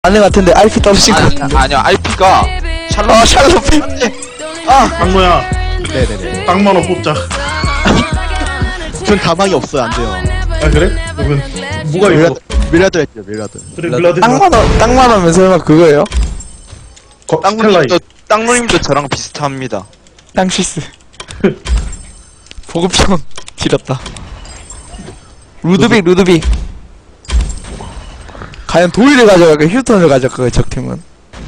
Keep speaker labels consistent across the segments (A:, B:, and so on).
A: 아는 같은데 RP 떨어진 것 같아.
B: 아니야 RP가 샬롯
C: 땅모야
D: 네네네.
C: 땅만원 뽑자.
D: 전 가망이 없어요. 안 돼요.
C: 아 그래? 그러면 뭐가 이거?
D: 밀라드 했죠. 밀라드.
C: 그래 밀라드
A: 땅만 하면 설마 그거예요?
C: 스텔라이.
B: 땅누님도 저랑 비슷합니다.
A: 땅시스. 보급형 지렸다. 루드빅. 과연 도일을 가져갈까 휴턴을 가져갈까 적팀은?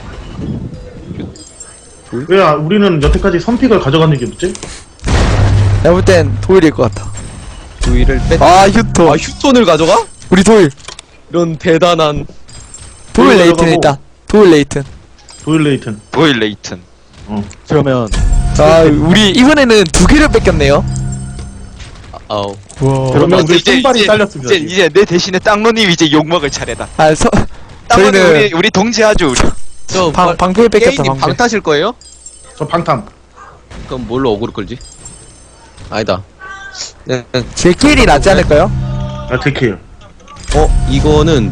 C: 왜 우리는 여태까지 선픽을 가져가는 게 뭐지?
A: 내가 볼 땐 도일일 것 같아.
D: 두이를 뺐.
A: 아 휴턴.
D: 아 휴톤을 가져가?
A: 우리 도일.
D: 이런 대단한.
A: 도일
C: 도일
A: 레이튼
C: 가져가고.
A: 있다. 도일 레이튼.
C: 도일 레이튼.
B: 도일 레이튼.
D: 그러면
A: 아 우리 이번에는 두 개를 뺏겼네요.
D: 아우.
A: 와.
C: 그러면 우리
B: 이제-
C: 손발이
B: 이제-
C: 잘렸습니다.
B: 이제 내 대신에 땅누님 이제 욕먹을 차례다.
A: 아
B: 땅누님
A: 저희는
B: 우리 동지하죠 우리.
D: 저
A: 방패를 뺏겼다
D: 게임님
A: 방패.
D: 방 타실 거예요?
C: 저 방탐.
D: 그럼 뭘로 어그로 끌지? 아니다. 네.
A: 제 킬이 낫지 않을까요?
C: 아 데케요.
D: 이거는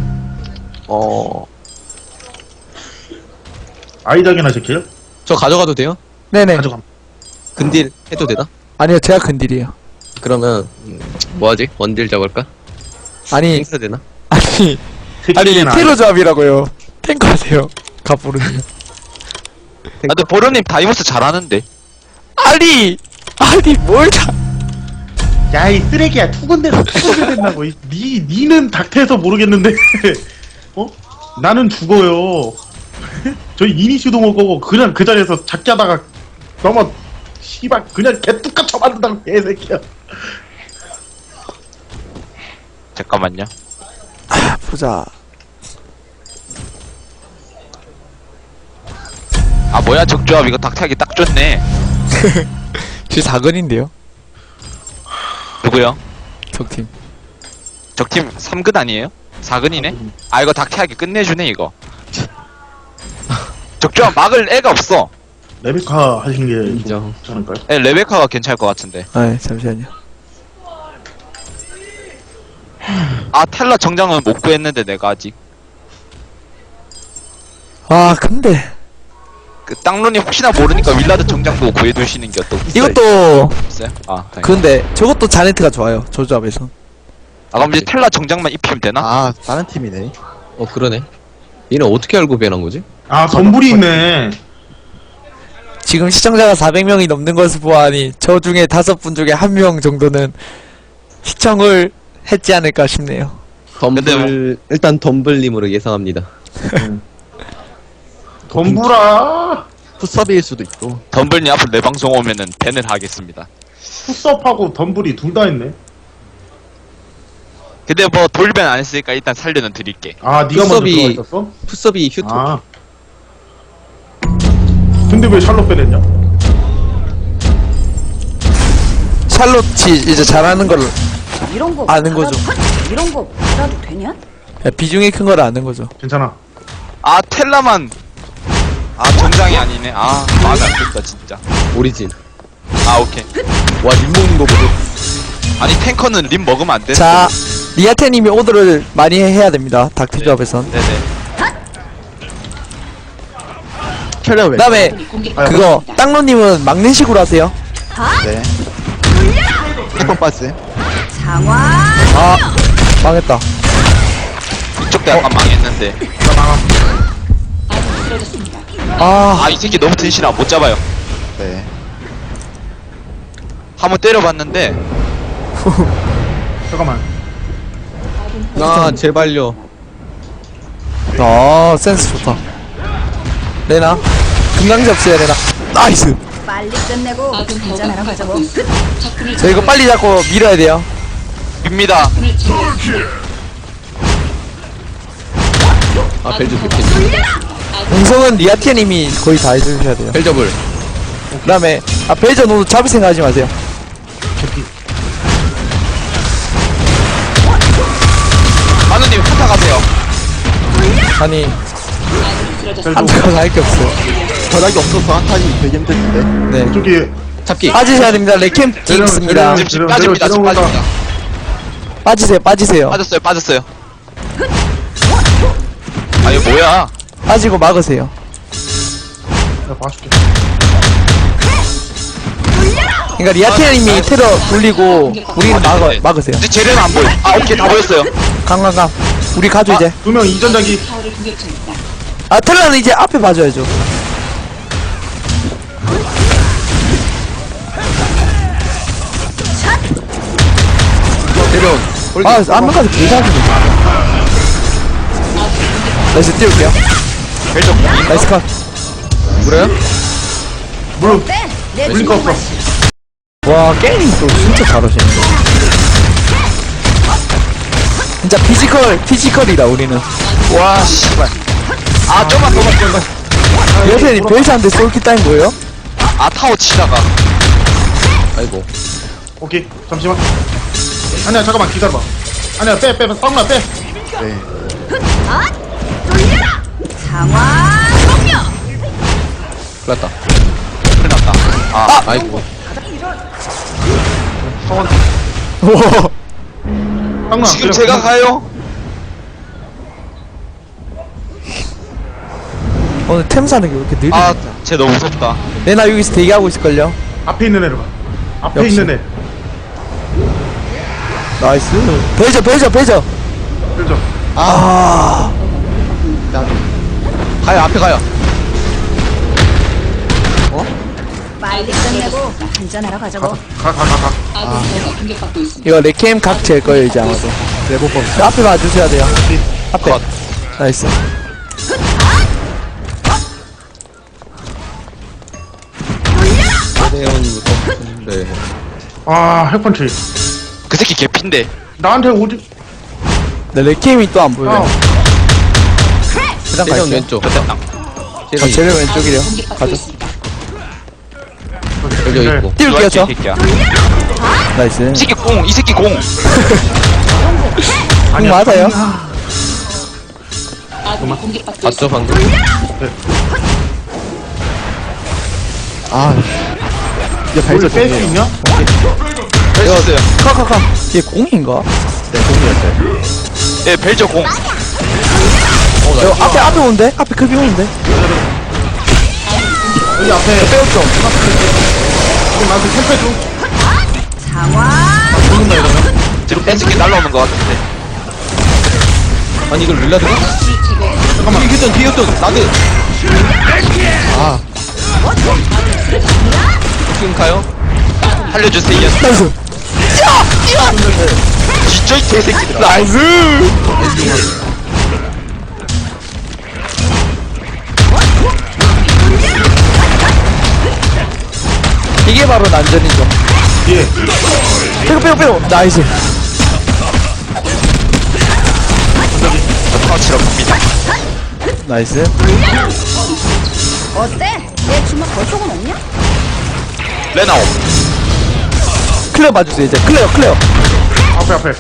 C: 아이작이나 제케요?
D: 저 가져가도 돼요?
A: 네네.
C: 가져감.
D: 근딜 해도 되나?
A: 아니요 제가 근딜이에요.
D: 그러면 뭐하지? 원딜 잡을까?
A: 아니
D: 행사 되나?
A: 아니
C: 테킬이나
A: 테러 조합이라고요. 탱커 하세요. 가보르님.
B: 아 근데 보로님 다이모스 잘하는데.
A: 아니 뭘 다.
C: 야이 쓰레기야 투근대서 투근대 된다고. 니는 닥터에서 모르겠는데 어? 나는 죽어요. 저희 이니슈도 못 거고 그냥 그 자리에서 작게 하다가 넘어 씨발 그냥 개뚝같 쳐맞는다고 개새끼야.
B: 잠깐만요.
A: 보자.
B: 아 뭐야 적조합 이거 닥터하기 딱 좋네.
A: 제 4근인데요.
B: 누구요?
A: 적팀.
B: 적팀 3근 아니에요? 4근이네? 아 이거 닥터하기 끝내주네 이거. 적조합 막을 애가 없어.
C: 레베카 하신 게
D: 인정.
C: 괜찮을까요?
B: 에 레베카가 괜찮을 것 같은데.
A: 아 잠시만요.
B: 아 텔라 정장은 못 구했는데 내가 아직.
A: 아 근데
B: 그 땅론님 혹시나 모르니까 윌라드 정장도 구해두시는 게 어떠세요?
A: 이것도
B: 아 다행이다.
A: 근데 저것도 자네트가 좋아요. 저 조합에서.
B: 아 그럼 이제 텔라 정장만 입히면 되나?
E: 아, 다른 팀이네.
D: 그러네. 얘는 어떻게 알고 변한 거지?
C: 아 덤불이 있네.
A: 지금 시청자가 400명이 넘는 것을 보아하니 저 중에 5분 중에 1명 정도는 시청을 했지 않을까 싶네요.
D: 덤블 일단 덤블님으로 예상합니다.
C: 덤불아
E: 풋섭일 수도 있고.
B: 덤블님 앞으로 내 방송 오면은 밴을 하겠습니다.
C: 풋섭하고 덤불이 둘 다 있네.
B: 근데 뭐 돌변 안 했으니까 일단 살려는 드릴게.
C: 아 니가 먼저
D: 풋섭이-
C: 들어가 있었어?
D: 풋섭이 휴톤.
C: 아 근데 왜 샬롯 빼냈냐?
A: 샬롯이 이제 잘하는 걸
F: 이런 거
A: 아는 거죠.
F: 이런 거 받아도 되냐?
A: 비중이 큰 걸 아는 거죠.
C: 괜찮아.
B: 아 텔라만 아 정장이 아니네. 아 마음에 안 든다 진짜.
D: 오리진.
B: 아 오케이.
D: 와, 림 먹는 거 보고.
B: 아니 탱커는 림 먹으면 안 돼.
A: 자 리아테님이 오더를 많이 해야 됩니다. 닥터 조합에선.
B: 네네.
E: 캐리어 왜?
A: 그다음에 그거 땅로님은 막는 식으로 하세요.
E: 네. 한번 빠지.
F: 장화
A: 아 망했다.
B: 이쪽도 약간 망했는데.
A: 아
B: 아 이 새끼 너무 튼실하 못 잡아요.
E: 네.
B: 한번 때려봤는데
C: 잠깐만.
D: 아, 제발요.
A: 센스 좋다. 레나 금강지 없어요 레나. 나이스.
F: 빨리 끝내고 한잔하러 가자고.
A: 저 이거 빨리 잡고 밀어야 돼요.
B: 입니다.
D: 아, 벨저 개피.
A: 공성은 리아테님이 거의 다 해주셔야 돼요.
D: 벨저블.
A: 그다음에 벨저 노도 잡을 생각하지 마세요.
B: 마누님 한타 가세요.
A: 아니 한타가 할 게 없어요.
E: 전화기 없어서 한 타기 되게 힘든데.
A: 네
C: 저기
D: 잡기.
A: 빠지셔야 됩니다. 레캠 있습니다.
B: 지금 빠집니다. 지금 빠집니다.
A: 빠지세요.
B: 빠졌어요. 아니 뭐야?
A: 빠지고 막으세요.
C: 내가 봐줄게.
A: 그러니까 리아테님이 테러 돌리고 우리는 막으세요.
B: 이제 쟤는 안 보여. 아 오케이 다 보였어요.
A: 강강강. 우리 가죠 이제.
C: 2명 이전자기.
A: 아 테러는 이제 앞에 봐줘야죠.
D: 내려온.
A: 아 안면까지 개사기네. 나이스 띄울게요.
B: 벨적
A: 나이스 컷.
D: 그래요?
C: 물론
F: 내
C: 블링크 없어.
A: 와 게임 또 진짜 잘하시네. 진짜 피지컬이다 우리는.
B: 와 씨발. 아 좀만 더 맞고.
A: 여태님 벨트한테 솔키 따인 거예요?
B: 아 타워 치다가.
D: 아이고.
C: 오케이 잠시만. 아니야 잠깐만 기다려봐. 아니야 빼 쌍나 빼.
E: 네.
F: 상황 종료.
D: 큰일 났다.
B: 큰일 났다. 아
D: 아이고.
C: 성원
A: 오.
C: 쌍나.
B: 지금 제가 가요.
A: 오늘 템 사는 게 왜 이렇게 느리?
B: 아쟤 너무 무섭다.
A: 내나 여기서 대기하고 있을걸요?
C: 앞에 있는 애를 봐. 앞에
A: 역시.
C: 있는 애.
A: 나이스. 배저.
C: 그죠?
A: 아.
D: 가요, 앞에 가요.
F: 빨리 끝내고 한잔하러 가자고.
C: 가.
A: 이거 레캠 각 잴 거예요 이제 아마도.
C: 레버법.
A: 저 앞에 봐주셔야 돼요. 앞에. 나이스.
D: 내려온부터. 네.
C: 아 핵펀치.
B: 그 새끼 개핀데.
C: 나한테 오지.
A: 네, 레캠이 또 안 보여요.
C: 어.
A: 그냥
D: 대전
A: 갈게요.
D: 왼쪽.
B: 됐다.
A: 저 제일 왼쪽이래요. 가죠.
D: 열려
C: 네.
D: 있고.
A: 띄울게요 저.
B: 이 새끼야.
A: 나이스.
B: 이 새끼 공. 이 새끼 공.
A: 공 맞아요.
D: 봤죠, 방금?
E: 아. 이제
C: 우리
E: 발전
C: 뺄수 있냐?
B: 벨졌어요.
A: 카카카. 얘 공인가?
E: 네, 공이었어요.
B: 예 벨적 공.
A: 저 앞에 오는데? 앞에 급이 오는데?
C: 여기 앞에
A: 빼었죠.
C: 지금 나한테 캠프 줘.
F: 상황
C: 죽는다 이러면.
B: 뒤로 뺀새끼 날라오는 것 같은데.
D: 아니, 이걸 릴라드가? 잠깐만. 뒤에 했던, 나드. 아. 지금 가요?
B: 살려주세요.
A: 나이스.
B: 진짜 이 개새끼들아.
A: 나이스. 이게 바로 난전이죠.
C: 예.
A: 빼고. 나이스.
B: 터치러 갑니다.
A: 나이스.
F: 어때? 내 주먹 벌속은 없냐?
B: 레나오.
A: 클레어 봐주세요 이제. 클레어.
C: 앞에.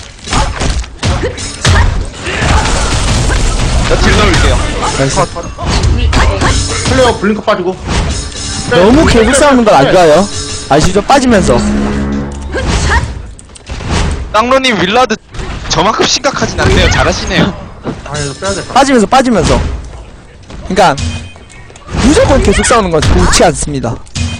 B: 나딜 넣을게요.
A: 나이스.
C: 클레어 블링크 빠지고.
A: 너무 계속 싸우는 건 안 좋아요. 아시죠? 빠지면서.
B: 땅로님 윌라드 저만큼 심각하진 않네요. 잘하시네요.
C: 아 이거 빼야 돼.
A: 빠지면서. 그러니까 무조건 계속 싸우는 건 좋지 않습니다.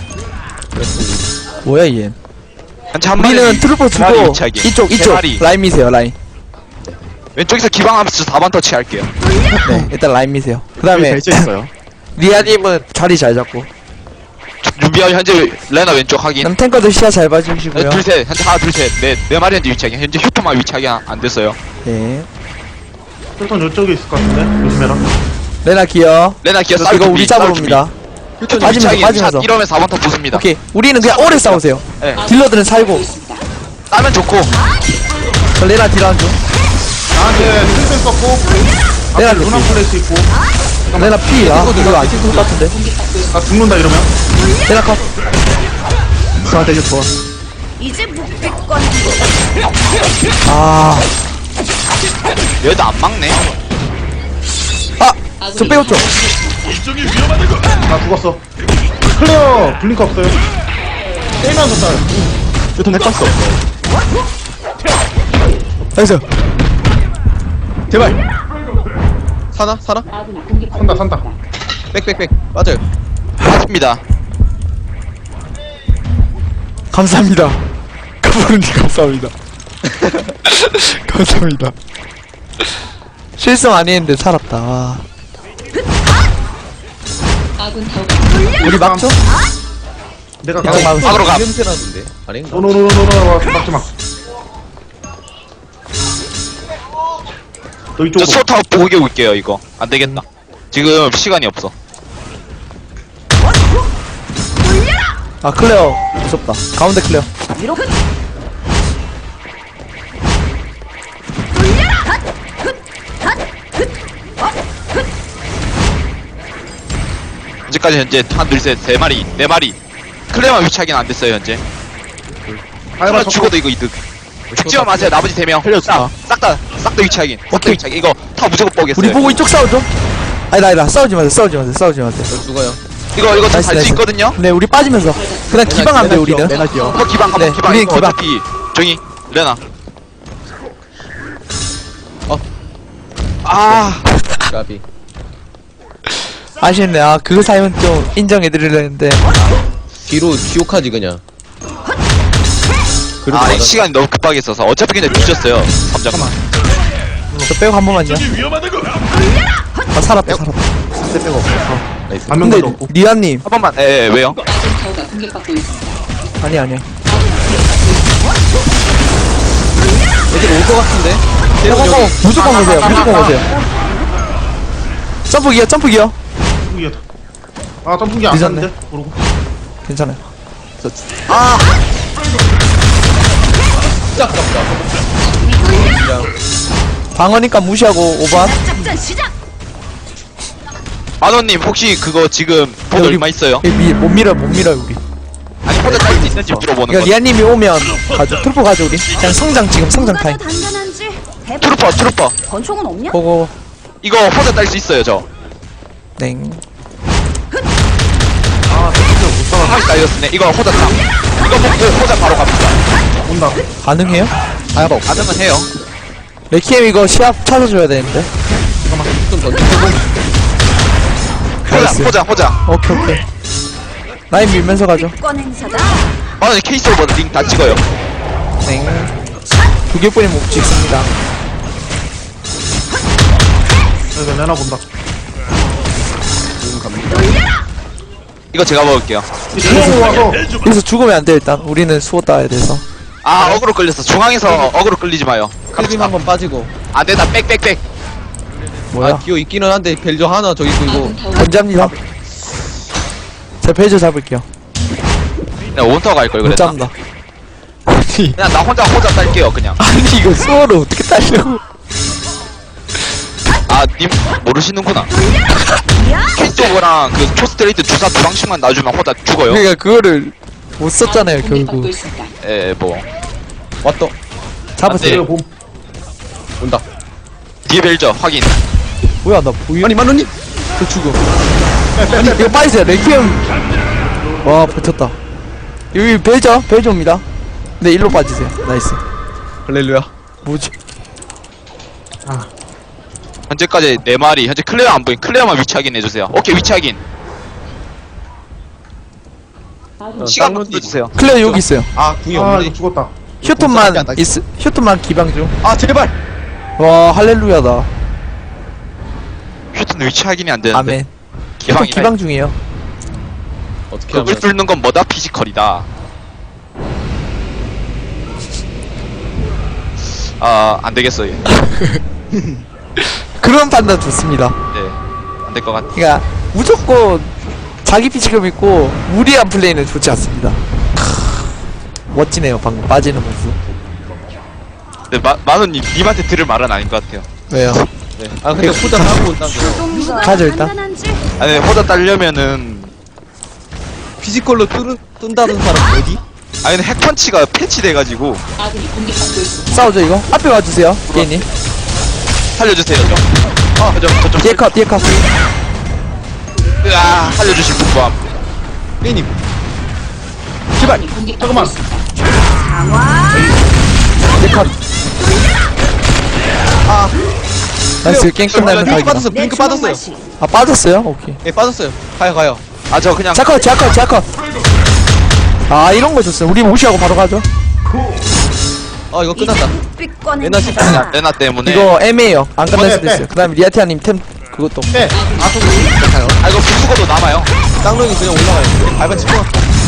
A: 뭐야 얘?
B: 한치 한
A: 우리는
B: 마리
A: 트루퍼
B: 두 마리
A: 주고
B: 위치하기.
A: 이쪽
B: 세 마리.
A: 라인 미세요 라인.
B: 왼쪽에서 기방하면서 4번 터치 할게요.
A: 네 일단 라인 미세요. 그
E: 여기
A: 다음에
E: 발전 있어요.
A: 리아님은 자리 잘 잡고.
B: 준비하여 현재 레나 왼쪽 확인.
A: 그럼 탱커들 시야 잘 봐주시고요.
B: 둘셋 현재 하나 둘셋넷네 마리 현재 위치하기. 현재 휴토만 위치하기 안 됐어요.
A: 네.
C: 일단 이쪽에 있을 것 같은데 조심해라.
A: 레나 기어.
B: 레나 기어
A: 이거 우리 잡으러 옵니다. 빠지면서.
B: 이러면 4번 터 부숩니다.
A: 오케이. 우리는 그냥 오래 싸우세요.
B: 네.
A: 딜러들은 살고.
B: 따면 좋고.
A: 저 레나 딜하는 중.
C: 나한테 필승 썼고.
A: 내가
C: 앞에 루나
A: 이렇게.
C: 플래시 있고.
A: 레나 피. 아 이거 안 찍을 것 같은데.
C: 나 죽는다 이러면.
A: 레나 컷.
E: 저한테 이제 좋아.
F: 이제 묵비권.
A: 아.
B: 얘도 안 막네.
A: 저 빼었죠.
C: 나 죽었어. 클레어 블링크 없어요. 게임하면서 싸요.
E: 휴톤 핵봤어.
A: 나이스. 제발.
D: 사나? 사나?
C: 산다.
D: 빽빽빽 맞아요.
B: 맞습니다.
A: 감사합니다. 카보르님 감사합니다. 감사합니다. 실수 많이 했는데 살았다. 와. 우리 막죠?
C: 내가
A: 그냥 막
B: 막으러 가.
D: 냄새 나던데. 아닌가?
C: 노노노노노 막지 마. 너
B: 저
C: 이쪽으로.
B: 수호타워 보게 올게요 이거. 안 되겠다. 지금 시간이 없어.
A: 아 클레어 무섭다. 가운데 클레어.
F: 위로
B: 현재까지 현재 하나 둘셋세 마리 네 마리. 클레어만 위치하기는 안 됐어요 현재. 하나 죽어도 이거 이득. 죽지만 마세요. 나머지 3명.
E: 살려주자.
B: 싹다 위치하긴. 싹다
A: 오케이.
B: 위치하긴. 이거 다 무조건 뽀겠어요.
A: 우리 보고 이쪽 싸우죠? 아니다 싸우지 마세요. 싸우지 마세요.
D: 저 죽어요.
B: 이거
A: 나이스,
B: 잘수
A: 나이스.
B: 있거든요.
A: 네 우리 빠지면서 그냥 기방하면 돼 우리는.
E: 내가 기어.
B: 한번 기방 한번
A: 네,
B: 기방.
A: 우리는
B: 이거
A: 기방.
B: 어차피 정이 레나. 아
D: 까비.
A: 아쉽네. 아 그거 사연 좀 인정해드리려는데
D: 뒤로 기옥하지 그냥. 그래도
B: 아,
D: 맞아.
B: 시간이 너무 급하게 있어서 어차피 그냥 뒤졌어요. 3점만.
A: 저 빼고 한 번만요. 아 살았다.
E: 스텝 빼고 없어.
D: 나이스.
C: 한
A: 근데
C: 명도 없고.
A: 리아님
B: 한 번만. 예, 왜요?
A: 아니야.
D: 애들 올 것 같은데.
A: 고고고 무조건 오세요. 점프 기어.
C: 점프기야. 아 점프기 안
A: 늦었네.
C: 갔는데. 모르고.
A: 괜찮아요.
D: 진짜 아깝다.
A: 방어니까 무시하고 5번.
F: 작전 시작.
B: 만원님 혹시 그거 지금 돈
A: 우리-
B: 얼마 있어요?
A: 못 밀어 우리.
B: 아니 혼자 딸 수 있는지 물어보는
A: 그러니까
B: 거.
A: 리아님이 오면 가죠. 트루퍼 가죠 우리. 그냥 성장 타임.
F: 누가 더 단단한지 해봐.
B: 트루퍼.
F: 권총은 없냐?
A: 고고.
B: 이거 혼자 딸 수 있어요 저.
A: 땡.
B: 아 딸렸네. 이거 혼자 땀. 이거 먹고 혼자 바로 갑니다.
C: 온다.
A: 가능해요?
B: 가능은 해요.
A: 레키엠 이거 시합 찾아줘야 되는데.
D: 좀 던지고.
A: 나이스.
B: 호자.
A: 오케이. 라인 밀면서 가죠.
F: 권 행사다.
B: 만원님 케이스 오버 링다 찍어요.
A: 땡. 2개뿐이 못 찍습니다.
C: 여기 레나 본다.
B: 이거 제가 먹을게요.
C: 중앙으로 와서
A: 여기서 죽으면 안 돼 일단. 우리는 수호 따야 돼서.
B: 아 어그로 끌렸어. 중앙에서 어그로 끌리지 마요.
D: 클빔 한번 빠지고.
B: 안 된다. 빽.
A: 뭐야?
D: 아 기어 있기는 한데 벨저 하나 저기 있고 이거.
A: 견제합니다. 제가 페이지 잡을게요.
B: 그냥 원터 갈 걸
A: 못
B: 그랬나?
A: 잡는다. 아니
B: 그냥 나 혼자 딸게요 그냥.
A: 이거 수호를 어떻게 따려고?
B: 아 님 모르시는구나. 케이스 오버랑 그 초스트레이트 주사 2방씩만 놔주면 혼자 죽어요.
A: 그러니까 그거를 못 썼잖아요 결국.
B: 예 뭐.
D: 왔다.
A: 잡았어요.
C: 이거 봄.
D: 온다.
B: 뒤에 벨저 확인.
A: 뭐야 나 보여?
D: 아니 만원님.
A: 저 죽음. 아니 이거 빠지세요. 레퀴엠. 와 버텼다. 여기 벨저입니다. 네 일로 빠지세요. 나이스.
D: 할렐루야.
A: 뭐지?
B: 현재까지 4마리. 현재 클레어 안 보인. 클레어만 위치 확인 해주세요. 오케이 위치 확인. 시간만 끌어주세요.
A: 클레어 여기 있어요.
D: 아 궁이
C: 아
D: 없네.
C: 이거 죽었다.
A: 휴톤만 기방 중.
D: 아 제발.
A: 와 할렐루야다.
B: 휴튼 위치 확인이 안 되는데.
A: 아멘. 휴톤
B: 기방이네.
A: 기방 중이에요.
D: 어떻게
B: 그걸
D: 하면
B: 뚫는 건 뭐다? 피지컬이다. 아, 안 되겠어, 얘.
A: 그런 판단 좋습니다.
B: 네. 안 될 것 같아.
A: 그러니까 무조건 자기 피지컬 믿고 무리한 플레이는 좋지 않습니다. 멋지네요 방금 빠지는 모습.
B: 근데 만원님, 님한테 들을 말은 아닌 것 같아요.
A: 왜요?
D: 네. 아 근데 후자 따고 온다는 거.
F: 누가
A: 가죠,
F: 더
A: 일단.
F: 단단한지
B: 아니, 호자 따려면은,
D: 피지컬로 뜬다는 사람 어디?
B: 아니, 근데 핵펀치가 패치돼가지고,
A: 싸우죠 이거? 앞에 와주세요 게이님.
B: 살려주세요, 좀. 저쪽.
A: 뒤에 컷
B: 으아, 살려주실 분 구함.
D: 삐님.
C: 제발. 잠깐만.
F: 강화.
A: 뒤에 컷. 나이스 게임 끝나는
D: 블링크
A: 각이다.
D: 빠졌어.
F: 내
D: 블링크
F: 주먹
D: 빠졌어요.
F: 맛이.
A: 아 빠졌어요? 오케이.
D: 예, 빠졌어요. 가요.
B: 아 저 그냥
A: 자커. 아 이런 거 좋어요. 우리 무시하고 바로 가죠.
D: 아, 이거 끝났다.
F: 빛 꺼낸
D: 레나 씨
F: 자가.
B: 레나 때문에
A: 이거 애매해요. 안 끝날
C: 네,
A: 수도
C: 네.
A: 있어요. 그다음에 리아티아님 템 그것도.
C: 빼.
B: 아 이거 부수고도 남아요.
D: 쌍둥이 그냥 올라가요. 밟아 치고.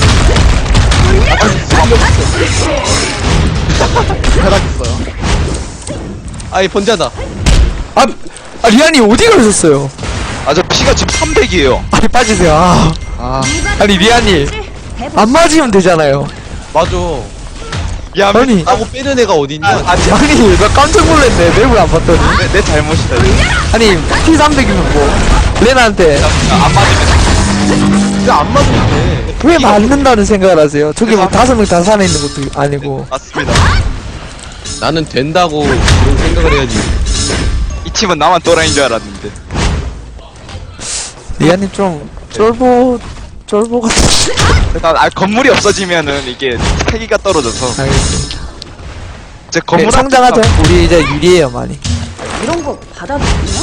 E: 탈락했어요.
D: 아이, 번지하다.
A: 아 리안이 어디 가셨어요?
B: 아 저 피가 지금 300이에요.
A: 아니 빠지세요. 아니 리안이 안 맞으면 되잖아요.
D: 맞아.
B: 야
A: 아니
D: 하고 빼는 애가 어딨냐?
A: 아니 나 깜짝 놀랐네. 맵을 안 봤더니.
B: 내 잘못이다.
A: 아니 T300이면 뭐 레나한테
B: 안 맞으면
D: 근데 안 맞으면 돼.
A: 왜 맞는다는 생각을 하세요? 저기 뭐 5명 다 살아 있는 것도 아니고.
B: 맞습니다.
D: 나는 된다고 그런 생각을 해야지.
B: 이 팀은 나만 또라이인 줄 알았는데.
A: 리안님 좀 쫄보 같은.
B: 일단 건물이 없어지면은 이게 패기가 떨어져서
A: 알겠습니다.
B: 제
A: 네,
B: 건물
A: 성장하죠. 우리 이제 유리해요 많이.
F: 이런 거 받아도 되나?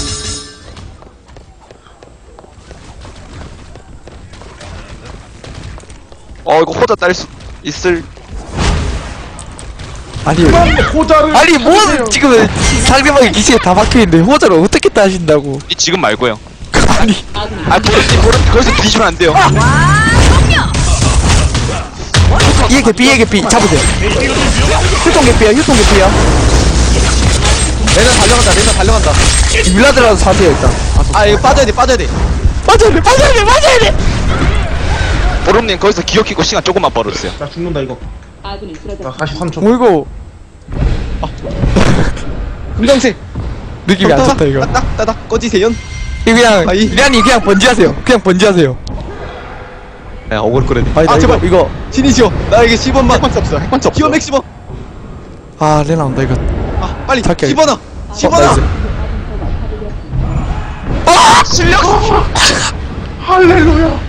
B: 이거 호자 딸 수 있을.
A: 아니
C: 호자를.
A: 아니 뭐 지금 상대방의 기지에 다 박혀있는데 호자를 어떻게 따신다고.
B: 이 지금 말고요.
A: 아니
B: 보름 거기서 뒤지면 안 돼요.
A: 이에 개피 잡으세요. 휴통 개피야.
D: 레나 달려간다.
A: 밀라드라도 사세요 일단.
D: 아, 이거 빠져야 돼.
A: 빠져야 돼.
B: 보름님 거기서 기어 키고 시간 조금만 벌어주세요.
C: 나 죽는다 이거. 나 43초.
A: 뭐 이거
D: 금강색.
A: 느낌이 안 좋다 이거.
D: 따닥 꺼지세요.
A: 이거 그냥
D: 아이.
A: 리안이 그냥 번지하세요.
D: 야, 억울 거래.
A: 아니 나
D: 제발.
A: 이거
D: 신이시여. 나에게 10원만.
E: 핵반지 없어. 핵반지 없어.
D: 기어 맥시멈.
A: 아 레나 온다 이거.
D: 아, 빨리.
A: 착해.
D: 10원아. 10원아.
C: 할렐루야.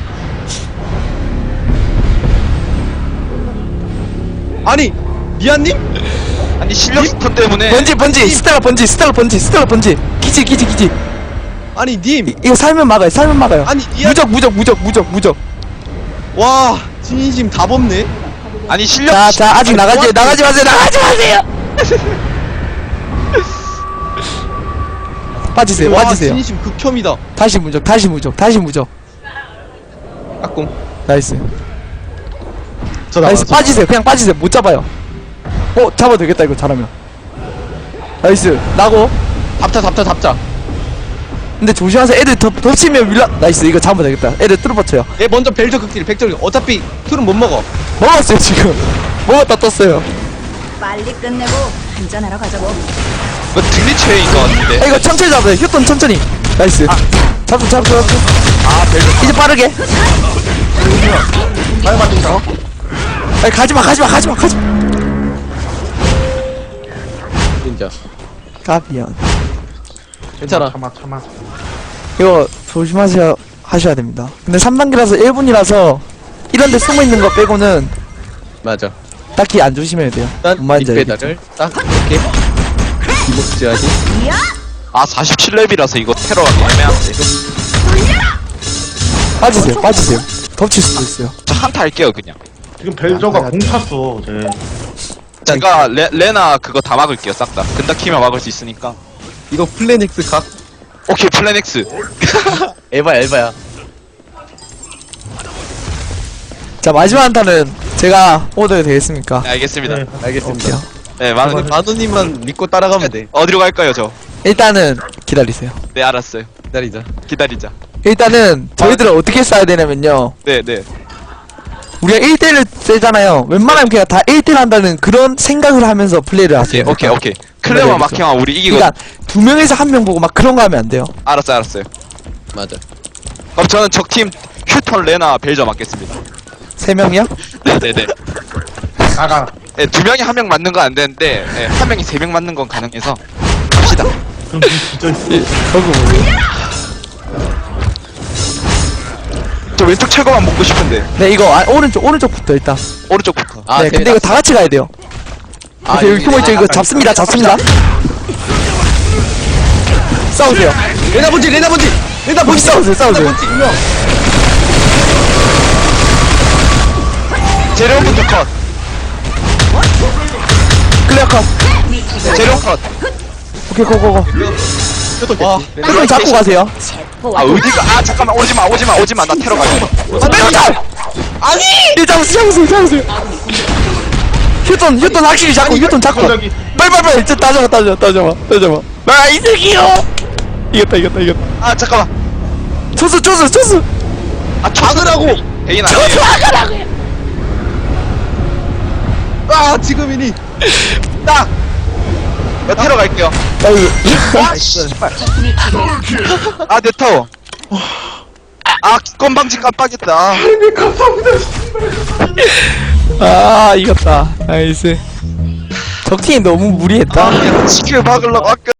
D: 아니, 미안님?
B: 아니 실력 스톤 때문에
A: 번지 스텔라 번지 기지.
D: 아니, 님.
A: 이거 살면 막아요.
D: 아니, 미안.
A: 무적.
D: 와, 진심 다 법네.
B: 아니 실력
A: 자 아직 나가지 마세요. 빠지세요.
D: 와, 진심 극혐이다.
A: 다시 무적.
D: 까꿍.
A: 나이스.
E: 저
A: 나이스.
E: 나와요.
A: 빠지세요. 그냥 빠지세요. 못 잡아요. 잡아도 되겠다 이거 잘하면. 나이스. 나고.
D: 잡자.
A: 근데 조심하세요. 애들 덮치면 밀라. 나이스. 이거 잡으면 되겠다. 애들 뚫어버쳐요.
D: 얘 먼저 벨저 극딜, 백절. 어차피 툴은 못 먹어.
A: 먹었어요 지금. 먹었다 떴어요.
F: 빨리 끝내고 한잔하러 가자고.
B: 이거 등리체인 것 같은데.
A: 이거 천천히 잡아요. 휴톤 천천히. 나이스. 잡수. 이제 빠르게.
C: 말 맞춘다.
A: 아니 가지마.
D: 진짜.
A: 까비연.
D: 괜찮아.
C: 참아.
A: 이거 하셔야 됩니다. 근데 3단계라서 1분이라서 이런데 숨어있는 거 빼고는
D: 맞아.
A: 딱히 안 조심해야 돼요.
D: 일단
A: 뭔 말인지
D: 밑배달을 딱 이렇게 기복지하지.
B: 아 47렙이라서 이거 테러하기 애매한데.
A: 빠지세요. 덮칠 수도 있어요.
B: 저 한타 할게요 그냥.
C: 지금 벨저가 공 찼어. 쟤.
B: 제가 레나 그거 다 막을게요 싹 다. 근다 키면 막을 수 있으니까.
D: 이거 플래넥스 각.
B: 오케이 플래넥스.
D: 에바야.
A: 자 마지막 한타는 제가 오더해도 되겠습니까?
B: 네, 알겠습니다.
C: 네.
D: 알겠습니다.
B: 네 많은
D: 마누님만 믿고 따라가면 돼.
B: 어디로 갈까요 저?
A: 일단은 기다리세요.
B: 네 알았어요. 기다리자.
A: 일단은 저희들은 어떻게 싸야 되냐면요.
B: 네.
A: 우리가 1대1을 세잖아요. 웬만하면 그냥 다 1대1 한다는 그런 생각을 하면서 플레이를 하세요.
B: 오케이. 클레마
A: 알겠죠.
B: 마킹하 우리 이기고.
A: 그러니까 2명에서 1명 보고 막 그런 거 하면 안 돼요.
B: 알았어요.
D: 맞아.
B: 그럼 저는 적팀 휴턴 레나 벨저 맞겠습니다.
A: 3명이요?
B: 네네네.
C: 나가.
B: 네, 2명이 1명 맞는 건 안 되는데, 네, 1명이 3명 맞는 건 가능해서 갑시다.
C: 그럼 진짜
A: 거기 뭐예요?
B: 저 왼쪽 최고만 먹고 싶은데
A: 네 이거 오른쪽부터 일단.
B: 오른쪽부터.
D: 아,
A: 네 근데 이거 다 같이 가야 돼요. 그래서 여기 숨어있죠. 이거 잡습니다. 싸우세요.
D: 레나 본지 레나 본지 레나 본지
A: 싸우세요, 싸우세요.
D: 레나 본지 유명.
B: 재룡부터 컷.
A: 클리어 컷.
B: 재룡 컷.
A: 오케이, 고고고.
D: 와
A: 휴톤 잡고 가세요.
B: 아 어디가? 아 잠깐만 오지마. 나 테러 갈게.
A: 아니! 잡으세요. 휴톤 확실히 잡고, 휴톤 잡고.
C: 갑자기
A: 빨리, 저 따져봐. 아, 이 새끼요! 이겼다.
B: 아 잠깐만.
A: 초수!
B: 아 막으라고. 베인 아니에요.
D: 아 지금이니
B: 딱. 나 테러 갈게요. 아 씨발. 아내 타워. 아 건방지 깜빡했다.
A: 아, 이겼다. 나이스. 적팀이 너무 무리했다.
B: 아 지킬 막으려고 아껴.